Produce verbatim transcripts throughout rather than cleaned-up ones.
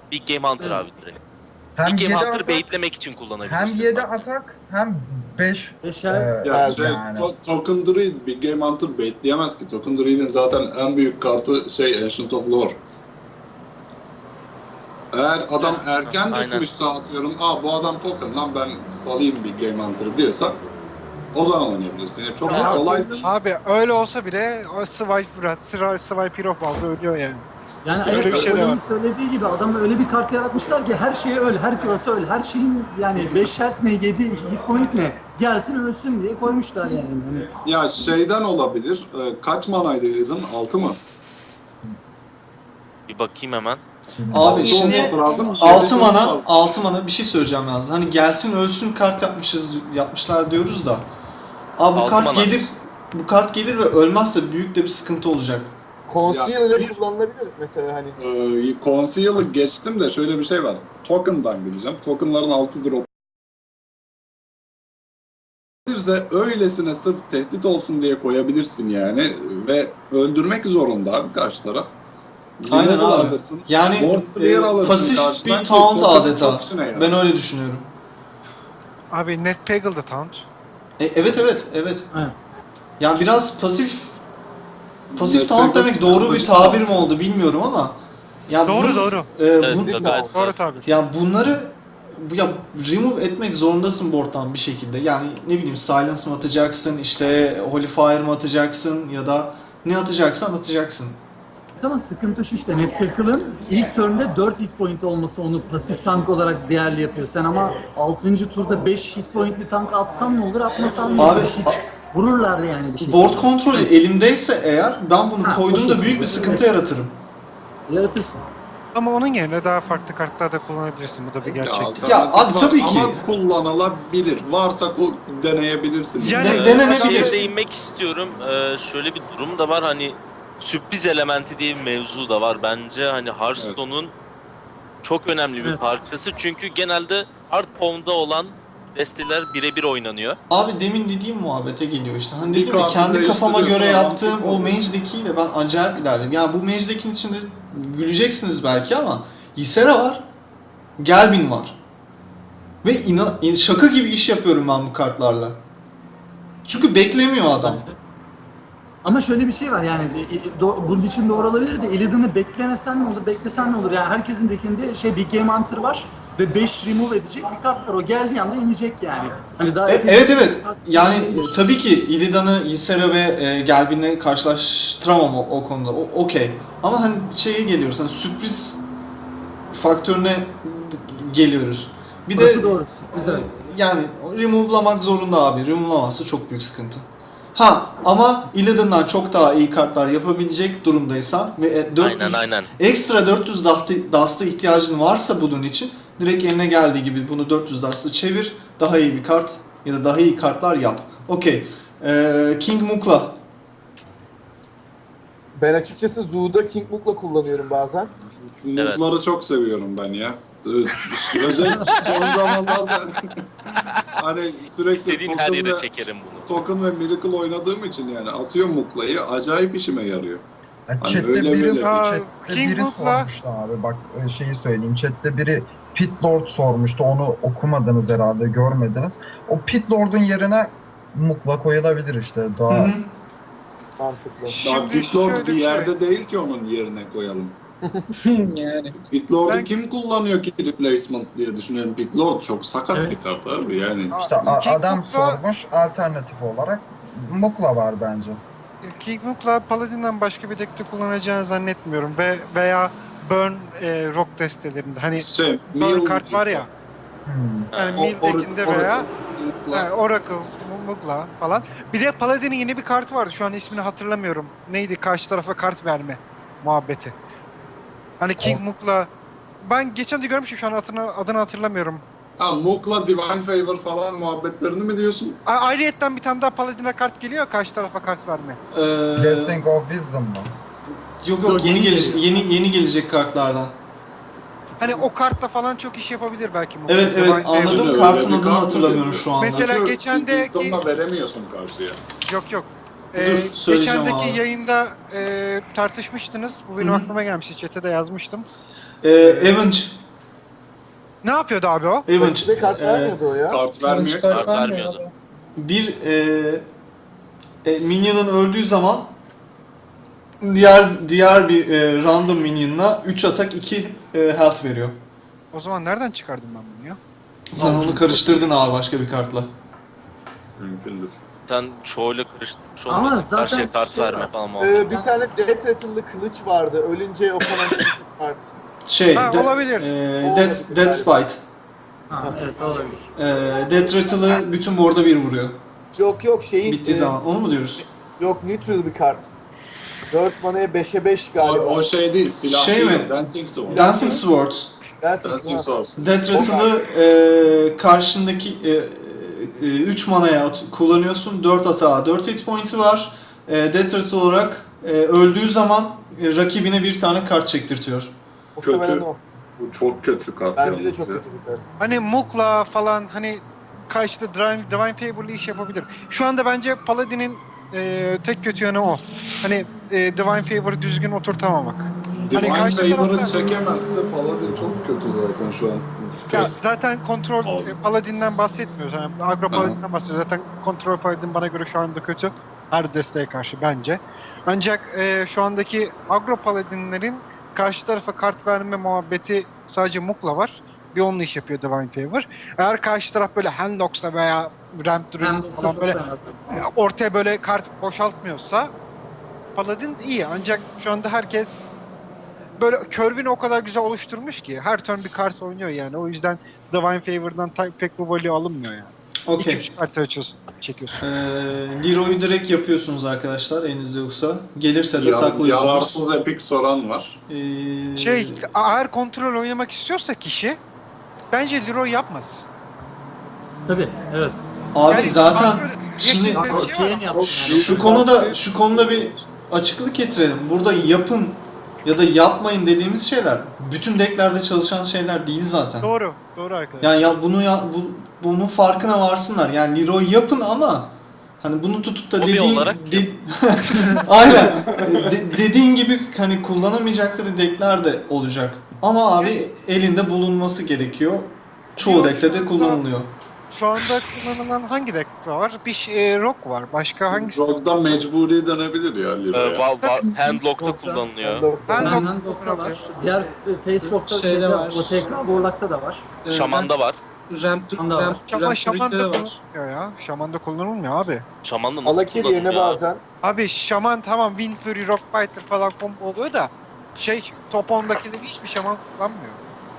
Big Game Hunter abi direkt. Hem Big Game yedi Hunter atak, baitlemek için kullanabilirsin. hem yedi bak. atak hem beş Beşer. e, Ya şey, yani. to Token Druid bir Game Hunter baitleyemez ki. Token Druid'in zaten en büyük kartı şey Ancient of Lore. Eğer adam erken Aynen. düşmüşse atıyorum, aa bu adam token lan ben salayım bir Game Hunter diyorsa o zaman oynayabilirsin. Yani çok Ya, kolay. Abi öyle olsa bile o Swipe Sıra Swipe Hero fazla ölüyor yani. Yani Öyle evet, bir şey de oyunun var. söylediği gibi adamlar öyle bir kart yaratmışlar ki her şeye öl, her klasa öl, her şeyin yani beş health ne, yedi hit point ne gelsin ölsün diye koymuşlar yani. yani. Ya şeyden olabilir. E, kaç manaydı dedin? altı mı? Bir bakayım hemen. Abi Altı şimdi olması lazım. altı Yedi mana, olması altı mana bir şey söyleyeceğim yalnız. Hani gelsin ölsün kart yapmışız yapmışlar diyoruz da. Abi bu Altı kart mana. gelir. Bu kart gelir ve ölmezse büyük de bir sıkıntı olacak. Conceal ile bir- kullanılabilir mesela hani. Ee, Conceal'ı geçtim de şöyle bir şey var. Token'dan gideceğim. Token'ların altı drop. Gelirse öylesine sırf tehdit olsun diye koyabilirsin yani ve öldürmek zorunda abi karşı taraf. Aynen Removal abi. alırsın, Yani board clear e, alırsın pasif karşıdan bir ki taunt token adeta. çok işine yarar. Ben öyle düşünüyorum. Abi Net Pagel'da taunt. E, evet evet evet. Evet. Yani biraz pasif pasif Net taunt Pagle demek doğru bir psikolojik tabir taunt. mi oldu bilmiyorum ama ya Doğru bu- doğru. e, Evet, bu- gayet gayet. Doğru tabii. ya bunları bu- ya remove etmek zorundasın board'dan bir şekilde. Yani ne bileyim silence mı atacaksın, işte holy fire mı atacaksın ya da ne atacaksan atacaksın. Zaman sıkıntı şu işte Netpeckle'ın ilk turn'da dört hit point olması onu pasif tank olarak değerli yapıyor. Sen ama altıncı turda beş hit pointli tank atsan ne olur, atmasan ne olur? Abi, Hiç vururlar yani bir şey. Board kontrolü elimdeyse eğer ben bunu Ha, o koyduğumda şekilde. büyük bir sıkıntı yaratırım. Yaratırsın. Ama onun yerine daha farklı kartlar da kullanabilirsin. Bu da bir gerçek. alternatif Ya abi var tabii ki. Ama kullanılabilir. Varsa ku- deneyebilirsin. Yani- De- Ee, denenebilir. şeye değinmek istiyorum. Ee, şöyle bir durum da var, hani sürpriz elementi diye bir mevzu da var. Bence hani Hearthstone'un çok önemli bir Evet. parçası. Çünkü genelde hard formda olan desteler birebir oynanıyor. Abi demin dediğim muhabbete geliyor işte. Hani Bir dedim ya kartı kendi kafama göre değiştiriyorsun, yaptığım adam o oluyor. Mage Deck'iyle ben acayip ilerledim. Yani bu Mage Deck'in içinde güleceksiniz belki ama Ysera var, Gelbin var. Ve inan, in- şaka gibi iş yapıyorum ben bu kartlarla. Çünkü beklemiyor adam. Ama şöyle bir şey var yani e, e, do- bunun için doğru olabilir de Illidan'ı beklemesen ne olur, beklesen ne olur? Yani herkesin dekinde şey Big Game Hunter var ve beş remove edecek bir kart var. O geldiği anda inecek yani. Hani daha E, efektif evet bir evet. kart Yani değil. e, tabii ki Illidan'ı Ysera ve e, Gelbin'le karşılaştıramam o, o konuda. O, okey. Ama hani şeye geliyoruz. Hani sürpriz faktörüne geliyoruz. Bir Burası de doğru. Güzel. yani remove'lamak zorunda abi. Remove'lamazsa çok büyük sıkıntı. Ha ama Illidan'dan çok daha iyi kartlar yapabilecek durumdaysan ve e, dört yüz Aynen aynen. ekstra dört yüz dust- dust'a ihtiyacın varsa bunun için direkt eline geldiği gibi bunu dört yüz dust'a çevir. Daha iyi bir kart ya da daha iyi kartlar yap. Okey. Ee, King Mukla. Ben açıkçası Zoo'da King Mook'la kullanıyorum bazen. Muzları çok seviyorum ben ya. Özellikle son zamanlarda hani sürekli İstediğin her token yere ve, çekerim bunu. token ve Miracle oynadığım için yani atıyorum Mukla'yı acayip işime yarıyor. Ya Hani chatte öyle biri, böyle. Aa, chatte King biri Book'la- sormuştu abi, bak e, şeyi söyleyeyim, chatte biri Pit Lord sormuştu, onu okumadınız herhalde, görmediniz. O Pit Lord'un yerine Mukla koyulabilir işte, Hı daha hı. Mantıklı. Daha Şimdi Pitlord şöyle bir bir yerde şey. değil ki onun yerine koyalım. Yani. Pitlord'u Ben- kim kullanıyor ki replacement diye düşünüyorum. Pitlord çok sakat Evet. bir kart abi yani. işte a- King adam Book'la- sormuş, alternatif olarak Mukla var bence. King Mook'la Paladin'den başka bir deckte kullanacağını zannetmiyorum ve veya Burn e, Rock destelerinde. Hani Şey, Burn Mill- kart var ya. Hmm. Yani O- Mill or- deckinde or- veya Mukla. yani Oracle, Mugla falan. Bir de Paladin'in yeni bir kartı vardı. Şu an ismini hatırlamıyorum. Neydi? Karşı tarafa kart verme muhabbeti. Hani King Mook'la ben geçen de görmüştüm, şu an adını, adını hatırlamıyorum. Ha, Mukla Divine Favor falan muhabbetlerini mi diyorsun? A- Ayrıyetten bir tane daha Paladin'e kart geliyor, karşı tarafa kart verme. Ee, Blessing of Wisdom mu? yok yok Yok, yeni yeni gelecek geliyor. yeni yeni gelecek kartlardan. Hani o kartla falan çok iş yapabilir belki Mookla. Evet evet Divine Favor. anladım. Öyle Kartın bir adını kart hatırlamıyorum oluyor. şu anda. Mesela Çünkü geçendeki- Wisdom'la veremiyorsun karşıya. Yok yok. Dur, Ee, söyleyeceğim geçendeki abi. yayında e, tartışmıştınız. Bu benim Hı hı. aklıma gelmişti. Chat'e de yazmıştım. Ee, Avenge Ne yapıyordu abi o? Avenge. Rakibe kart e, vermiyordu o ya. Kart vermiyor. Kart vermiyordu. bir e, e, minyonun öldüğü zaman diğer diğer bir e, random minyonuna üç atak iki e, health veriyor. O zaman nereden çıkardım ben bunu ya? Sen onu karıştırdın abi başka bir kartla. Mümkündür. Sen çoğuyla karıştırmış Ama olmasın. zaten Karşıya kart şey verme var. falan Ee, muhabbet. bir tane Death Rattle'lı kılıç vardı. Ölünce o kalan kart. Şey, Ha, de- olabilir. E, O Dead, olabilir Dead galiba. Spite. Ha, evet olabilir. E, Death Rattle'ı bütün board'a bir vuruyor. Yok yok şeyin... Bittiği e, zaman. Onu mu diyoruz? Yok neutral bir kart. dört manaya beşe beş O, galiba. o şey değil, silah Şey değil, mi? Dancing Sword. Dancing Swords. Gelsin. Dancing Ha. Sword. Death Rattle'ı e, karşındaki üç manaya at- kullanıyorsun. dört atağa dört hit point'i var. E, Death Rattle olarak e, öldüğü zaman e, rakibine bir tane kart çektirtiyor. Muhtemelen Kötü. o. Bu çok kötü kart Bence de yalnız çok ya. kötü bir kart. Hani Mukla falan hani karşıda Divine, Divine Fable'lı iş yapabilir. Şu anda bence Paladin'in e, tek kötü yanı o. Hani e, Divine Favor'ı düzgün oturtamamak. Divine Hani karşı Favor'ı tarafta- çekemezse Paladin çok kötü zaten şu an. Ya Face. zaten kontrol Oldu. e, Paladin'den bahsetmiyoruz. Yani agro Paladin'den bahsediyoruz. Zaten kontrol Paladin bana göre şu anda kötü. Her desteğe karşı bence. Ancak e, şu andaki agro Paladin'lerin karşı tarafa kart verme muhabbeti sadece Mukla var. Bir onunla iş yapıyor Divine Favor. Eğer karşı taraf böyle Handlocks'a veya Ramp Ben Druid de falan çok böyle fena. e, ortaya böyle kart boşaltmıyorsa Paladin iyi. Ancak şu anda herkes böyle curve'ini o kadar güzel oluşturmuş ki her turn bir kart oynuyor yani. O yüzden Divine Favor'dan ta- pek bu value alınmıyor yani. İki Okey. üç kart açıyorsun, çekiyorsun. E, Leroy'u direkt yapıyorsunuz arkadaşlar elinizde yoksa. Gelirse de Ya- saklıyorsunuz. Yararsız epik soran var. E, Şey, eğer kontrol oynamak istiyorsa kişi bence Leroy yapmaz. Tabii, evet. Abi Yani zaten kontrol- şimdi Gerçekten şey var. Kane yaptı. şu, şu konuda şu konuda bir açıklık getirelim. Burada yapın ya da yapmayın dediğimiz şeyler bütün decklerde çalışan şeyler değil zaten. Doğru, doğru arkadaşlar. Yani ya bunu ya bu bunun farkına varsınlar. Yani Leroy yapın ama hani bunu tutup da Hobi dediğin olarak de- aynen De- dediğin gibi hani kullanamayacakları deckler de olacak. Ama abi elinde bulunması gerekiyor. Çoğu Leroy deckte şu de anda- kullanılıyor. Şu anda kullanılan hangi deck var? Bir şey, e, Rock var. Başka hangisi? Rogue'da mecburi dönebilir ya Ee, Leroy'a. va- va- handlock'ta Doktor. kullanılıyor. Ben Ben Rock- Handlock'ta var. Diğer e, Face Rock'ta Şeyde şeyde var. o tekrar Warlock'ta da var. Ee, Şaman'da var. ben Ramp, Şaman'da var. Ramp, Ama Ramp Şaman'da Druid'de de var. kullanılmıyor ya. Şaman'da kullanılmıyor abi. Şaman'da nasıl Alakir yerine kullanılıyor? abi? bazen. Abi Şaman tamam Wind Fury, Rock Fighter falan combo oluyor da şey top ondakileri hiçbir Şaman kullanmıyor.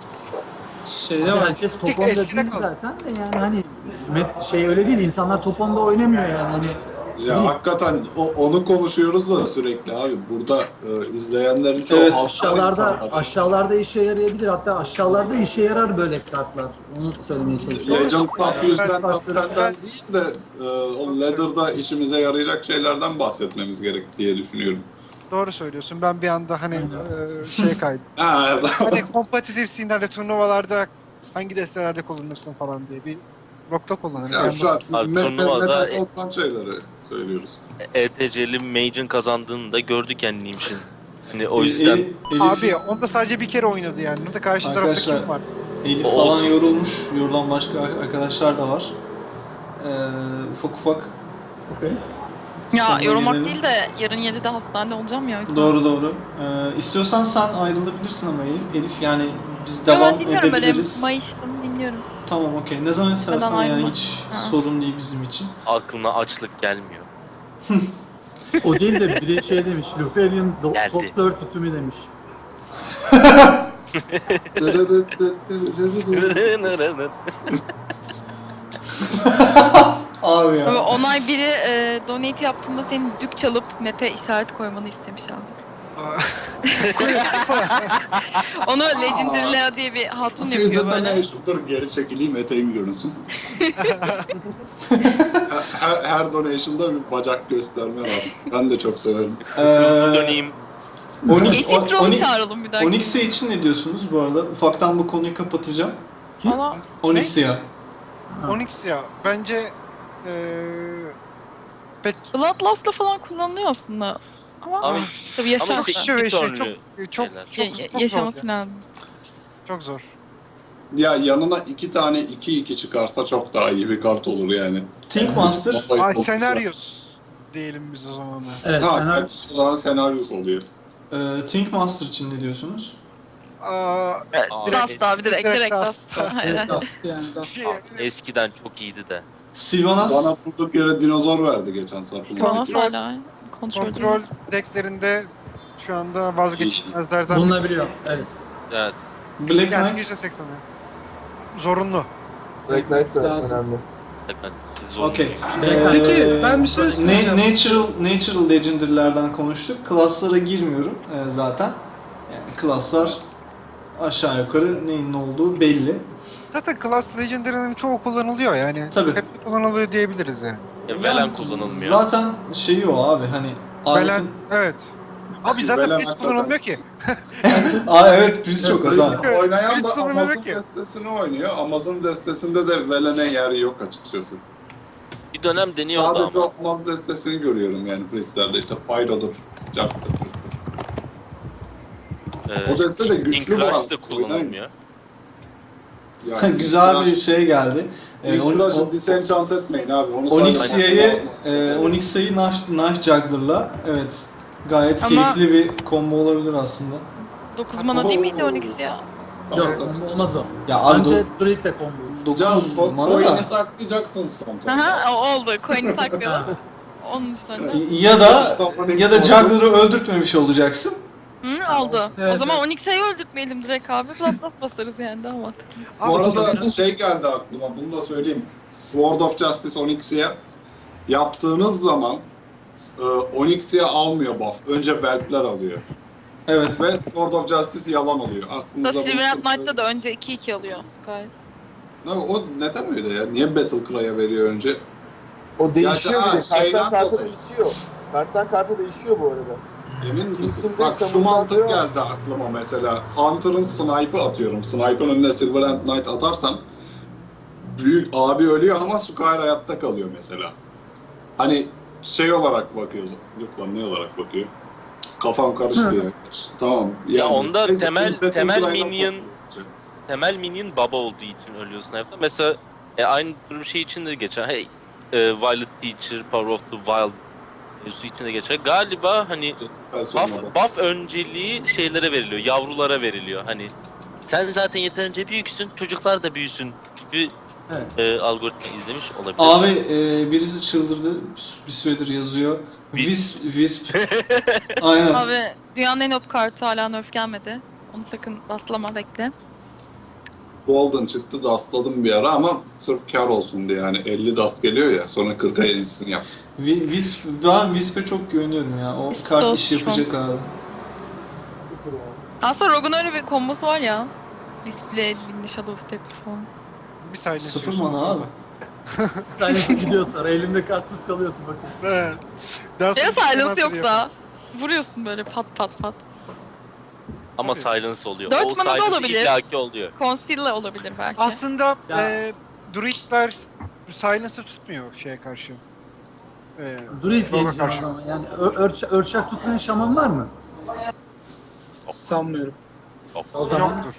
Şeyde Abi var. herkes top Tek onda eskide değil kaldı. zaten de yani hani met şey öyle değil. İnsanlar top onda oynamıyor yani. Hani Ya hakikaten o, onu konuşuyoruz da sürekli abi. Burada e, izleyenlerin çoğu Evet, halktan aşağılarda insanlar. aşağılarda işe yarayabilir. Hatta aşağılarda işe yarar böyle kartlar. Onu söylemeye çalışıyorum. Legend Top yüzden Top Farklı- ten'den değil de e, o Ladder'da işimize yarayacak şeylerden bahsetmemiz gerek diye düşünüyorum. Doğru söylüyorsun. Ben bir anda hani e, şey kaydım. Ha, Hani kompetitif scene'lerde, turnuvalarda hangi destelerde kullanırsın falan diye bir Rock'ta kullanırım. ya Yani şu an Abi, me- me- turnuvada- metal olan şeyleri söylüyoruz. E T C'li Mage'in kazandığını da gördük yani Nimş'in. Hani o E- yüzden Elif, Elif, Abi onda sadece bir kere oynadı yani. Burada karşı tarafta Arkadaşlar, kim var? Elif O falan olsun. yorulmuş. Yorulan başka arkadaşlar da var. Ee, ufak ufak Okey. Ya sonuna yorulmak gelelim. değil de yarın yedide hastanede olacağım ya. o yüzden. Doğru doğru. Ee, istiyorsan sen ayrılabilirsin ama Elif. Elif yani biz Yo, devam ben dinliyorum böyle edebiliriz. Mayıs'ını dinliyorum. Tamam okey. Ne zaman istersen Ben yani ayrılmam. hiç Ha. sorun değil bizim için. aklına açlık gelmiyor. O değil de biri şey demiş. Luferian do- Geldi. top dört tütümü demiş. Abi ya. Ama onay biri e, donate yaptığında senin dük çalıp map'e işaret koymanı istemiş abi. Onu Legendary Lea diye bir hatun yapıyor Yüzünden böyle. ne iş? Dur geri çekileyim eteğim görünsün. her, her donation'da bir bacak gösterme var. Ben de çok severim. Hızlı Ee, döneyim. Onyx, Eşit o- Rom'u Onyx, çağıralım bir dakika. Onyx'e için ne diyorsunuz bu arada? Ufaktan bu konuyu kapatacağım. Valla Onyx'e ya. Onyx ya bence eee pek Bloodlust'la falan kullanılıyor aslında. Ama Ama, tabii yaşam, ama şey, Şöyle iki şey, turnlu çok çok şeyler. çok, ya- ya- çok zor. yaşaması lazım. Çok zor. Ya yanına iki tane iki iki çıkarsa çok daha iyi bir kart olur yani. Think Master. Masayı Ay çok senaryos diyelim biz o zaman da. Evet, Ha, senaryo. evet, o zaman senaryosu oluyor. E, Think Master için ne diyorsunuz? Aa, Dust abi direkt Direkt direkt Dust. Dust. Evet, Aynen. Dust yani Dust. şey, Eskiden çok iyiydi de. Sylvanas. Bana durduk yere dinozor verdi geçen sefer. Bana hala kontrol, kontrol decklerinde şu anda vazgeçilmezlerden. Bulunabiliyor. Evet. Evet. Black Yani Knight. yüzde seksen. Zorunlu. Black Knight de Lazım. önemli. Ben zor. Okey. Peki, Ee, ben bir şey na- söyleyeceğim. Natural, natural Legendary'lerden konuştuk. Klaslara girmiyorum e, zaten. Yani klaslar aşağı yukarı neyin ne olduğu belli. Zaten Class Legendary'nin çoğu kullanılıyor yani. Tabii. Hep kullanılıyor diyebiliriz yani. Ya, Yani Velen kullanılmıyor. Zaten şeyi o abi hani Belen, aletin... evet. Abi zaten Belen biz hakikaten. kullanılmıyor ki. Aa evet biz çok az abi. Evet, Oynayan biz da kullanıyoruz Amazon ki. destesini oynuyor. Amazon destesinde de Velen'e yer yok açıkçası. Bir dönem deniyordu Sadece ama. Amazon destesini görüyorum yani Priestler'de işte Pyro'dur, Jark'tır. E, O deste de güçlü bu Inkrush arada. da kullanılmıyor. Yani Güzel bir şey geldi. Ee, on- Inkrush'ı o- disenchant etmeyin abi. Onu Onyxia'yı e, Onyxia'yı Knife, Knife Juggler'la evet gayet Ama- keyifli bir combo olabilir aslında. dokuz mana değil miydi on ikisi ya? Yok, olmaz o. Ya abi Bence do- Druid de combo. dokuz Can, mana da coin'i saklayacaksın son turda. Aha o oldu. Coin'i saklayalım. Onun sonra. ya da ya da Juggler'ı öldürtmemiş olacaksın. Hı, oldu. Evet, o zaman evet. on ikisiyi öldürtmeyelim direkt abi. Plat plat basarız yani daha mantıklı. Bu Abi, arada şey geldi aklıma, bunu da söyleyeyim. Sword of Justice Onyxia yaptığınız zaman e, Onyxia almıyor buff. Önce Velp'ler alıyor. Evet. Ve Sword of Justice yalan oluyor. Da Aklınızda Silverhand bulunsun. Knight'ta da önce iki iki alıyor Sky. Ne, o neden öyle ya? Niye Battle Cry'a veriyor önce? O değişiyor ha, bir de. şeyden Karttan karta dolayı. değişiyor. Karttan karta değişiyor bu arada. Emin misin? Kesinlikle Bak şu savunma mantık atıyor. geldi aklıma mesela. Hunter'ın snipe'ı atıyorum. Snipe'ın önüne Silverhand Knight atarsam büyük abi ölüyor ama Skyr hayatta kalıyor mesela. Hani şey olarak bakıyoruz. Yok lan ne olarak bakıyor? Kafam karıştı ya. Tamam. Ya onda neyse, temel- Battle temel Cry'dan minion- korkuyorum. Temel minion baba olduğu için ölüyorsun hep. Mesela e, aynı durum şey için de geçer. Hey, e, Violet Teacher, Power of the Wild mevzusu için de geçer. Galiba hani Ben buff, sormadım. buff önceliği şeylere veriliyor, yavrulara veriliyor. Hani sen zaten yeterince büyüksün, çocuklar da büyüsün gibi Evet. e, algoritma izlemiş olabilir. Abi e, birisi çıldırdı. Bir süredir yazıyor. Wisp. Wisp. Wisp. Aynen. Abi dünyanın en op kartı hala nerf gelmedi. Onu sakın baslama bekle. Golden çıktı, dustladım bir ara ama sırf kar olsun diye yani elli dust geliyor ya sonra kırka yenisini yap. Wi- Wisp. Ben Wisp'e çok güveniyorum ya. O Wisp kart so iş yapacak abi. Sıfır yani. Aslında Rogue'un öyle bir kombosu var ya. Display, Windy Shadow Step falan. Bir saniye. Sıfır mana abi. Silence gidiyor sonra elinde kartsız kalıyorsun bakıyorsun. Evet. Daha Ya sonra bir silence mana yoksa vuruyorsun böyle pat pat pat. Ama Tabii. silence oluyor. Dört O mana da silence olabilir. illaki oluyor. Conceal'la olabilir belki. Aslında Ya. e, druidler silence'ı tutmuyor şeye karşı. E, Druid Rogue'a yeneceğim o karşı. zaman. Yani ö- örç örçak tutmayan şaman var mı? Sanmıyorum. O zaman Yoktur.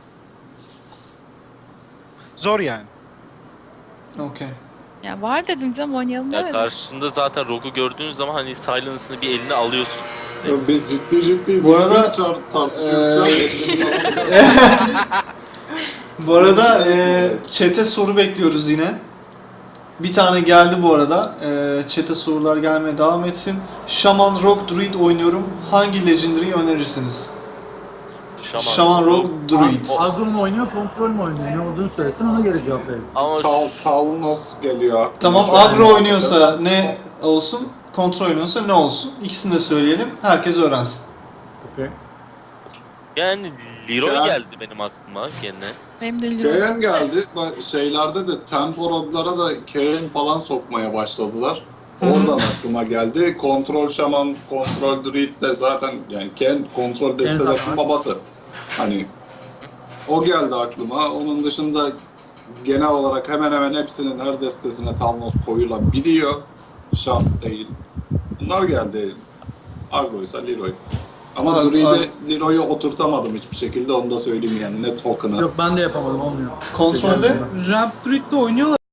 Zor yani. Okey. Ya var dediniz ama oynayalım Ya demedim. karşında zaten Rogue'u gördüğün zaman hani silence'ını bir eline alıyorsun. Ya biz ciddi ciddi Bu arada, biz çar- tartışıyoruz. eee, ya, elimiz alıyor. Bu arada e, chat'e soru bekliyoruz yine. Bir tane geldi bu arada. E, chat'e sorular gelmeye devam etsin. Shaman Rogue Druid oynuyorum. Hangi Legendary'i önerirsiniz? Şaman. Shaman Rogue Druid. agro mu oynuyor, kontrol mü oynuyor? Ne olduğunu söylesin ona göre cevap verelim. Ama Tal, Talnos geliyor. Tamam, Şu an- agro oynuyorsa ne olsun, kontrol oynuyorsa ne olsun? İkisini de söyleyelim. Herkes öğrensin. Okay. yani Leroy Ya. geldi benim aklıma gene. Benim de Leroy. Karen geldi. Bak şeylerde de Temporod'lara da Karen falan sokmaya başladılar. Hı hı. Oradan aklıma geldi. Kontrol şaman, kontrol druid de zaten yani Karen kontrol destesinin zaten. babası. Hani o geldi aklıma. Onun dışında genel olarak hemen hemen hepsinin her destesine Talnos koyulabiliyor. Şart değil. Bunlar geldi. Argo ise Leroy. Ama Abi, Druid'e abi. Leroy'u oturtamadım hiçbir şekilde, onu da söyleyeyim yani, ne token'ı. Yok ben de yapamadım olmuyor. Kontrolde Ramp Druid'de oynuyorlar